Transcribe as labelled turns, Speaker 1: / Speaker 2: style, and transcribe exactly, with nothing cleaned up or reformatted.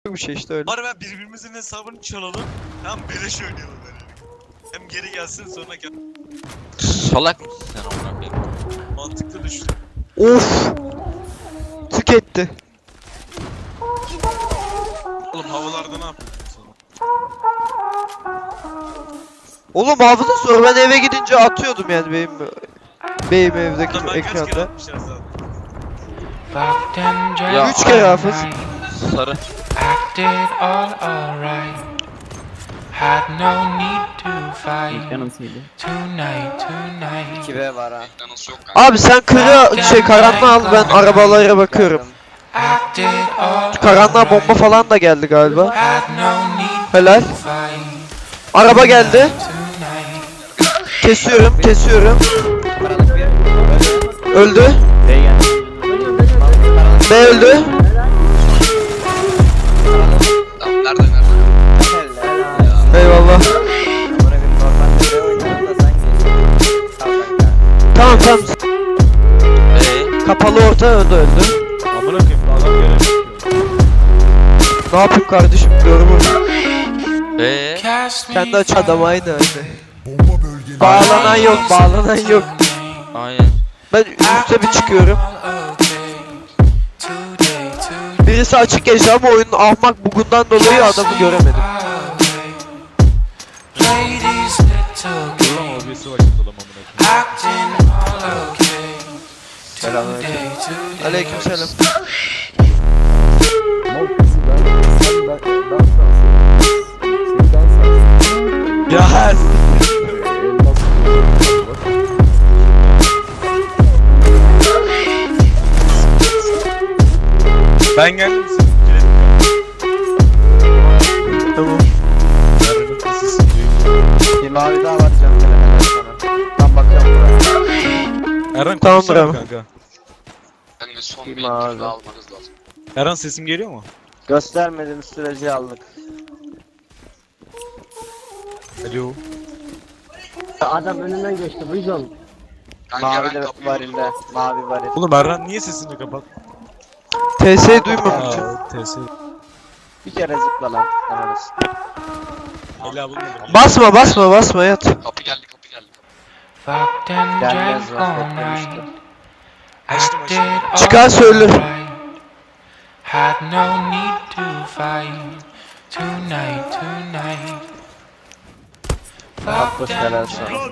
Speaker 1: bir şey işte öyle.
Speaker 2: Bari ben birbirimizin hesabını çalalım. Hem beleş oynayalım böyle. Hem geri gelsin sonra gel.
Speaker 3: Salak mısın sen amına koyayım?
Speaker 2: Mantıklı düşün.
Speaker 1: Of! Tüketti.
Speaker 2: Oğlum havalarda ne yapıyorsun sana?
Speaker 1: Oğlum hafıza sonra ben eve gidince atıyordum yani benim benim evdeki
Speaker 2: Lan ben kaç kere
Speaker 1: ekranda.
Speaker 2: atmışlar zaten.
Speaker 3: Ya
Speaker 1: Üç kere hafız.
Speaker 3: sarı.
Speaker 4: Acted all alright. Had no need to fight. Tonight, tonight.
Speaker 5: iki B var ha.
Speaker 1: Abi sen kırı şey karanlığa al, ben arabalara bakıyorum.
Speaker 4: Acted all
Speaker 1: Karanlığa bomba falan da geldi galiba.
Speaker 4: Had no need
Speaker 1: Helal.
Speaker 4: to fight.
Speaker 1: Araba geldi.
Speaker 4: Tonight.
Speaker 1: Kesiyorum, kesiyorum.
Speaker 5: Karanlık bir.
Speaker 1: Öldü.
Speaker 5: B geldi.
Speaker 1: B öldü.
Speaker 3: Tamam nerede nerede?
Speaker 1: Eyvallah.
Speaker 5: Buna bir normalde B oynarım da sen geçtin.
Speaker 1: Tamam
Speaker 5: Tamam kanka.
Speaker 1: tamam.
Speaker 3: Eee?
Speaker 1: Kapalı orta öldü öldü.
Speaker 2: Amına koyayım adam göremiyor.
Speaker 1: Ne yapayım kardeşim, görmüyorum.
Speaker 3: Eee?
Speaker 4: Cast me
Speaker 1: Kendi aç adam aynı öyle.
Speaker 6: Bomba bölgelerini
Speaker 1: Bağlanan yok, bağlanan yok.
Speaker 3: Aynen.
Speaker 1: Ben üste bir çıkıyorum.
Speaker 4: okay. Today, today.
Speaker 1: Birisi açık geçti ama oyunun ahmak bugundan dolayı adamı göremedim.
Speaker 4: Play these little games.
Speaker 2: Obisi vakit olam amına koyayım.
Speaker 4: Acting all okay.
Speaker 1: Selamünaleyküm.
Speaker 4: Today, today.
Speaker 1: Aleykümselam.
Speaker 2: Ya ben geldim size.
Speaker 1: Tamam.
Speaker 5: Bir mavi daha var canım helal sana. Tam bakıyorum buraya.
Speaker 2: Erhan
Speaker 1: Tamam,
Speaker 2: konuşsana
Speaker 1: bravo.
Speaker 2: kanka.
Speaker 3: Ben de son
Speaker 5: Bir
Speaker 3: bir
Speaker 5: mavi.
Speaker 3: iki almanız lazım.
Speaker 2: Erhan sesim geliyor mu?
Speaker 5: Göstermediğim sürece aldık.
Speaker 2: Alo.
Speaker 7: Adam önünden geçti Vizon.
Speaker 3: Kanka
Speaker 5: Mavi
Speaker 3: ben
Speaker 5: de
Speaker 3: kapıyı
Speaker 5: varilde. Mavi varil.
Speaker 2: Oğlum Erhan niye sesini kapat?
Speaker 1: T S'yi duymamışım.
Speaker 2: Aa, T S.
Speaker 5: Bir kere zıpla lan. Ananız.
Speaker 2: Ela bulmadım.
Speaker 1: Basma basma basma yat.
Speaker 3: Kapı geldi kapı geldi.
Speaker 4: Fucked and
Speaker 5: Gelmez
Speaker 4: drank
Speaker 5: lan
Speaker 4: all night.
Speaker 5: beklemiştim.
Speaker 2: Açtım
Speaker 4: Acted
Speaker 2: açtım.
Speaker 4: all
Speaker 1: Çıkar söyle.
Speaker 4: alright. Had no need to fight. Tonight, tonight.
Speaker 5: Haklısın
Speaker 4: Fucked and
Speaker 5: helal sana.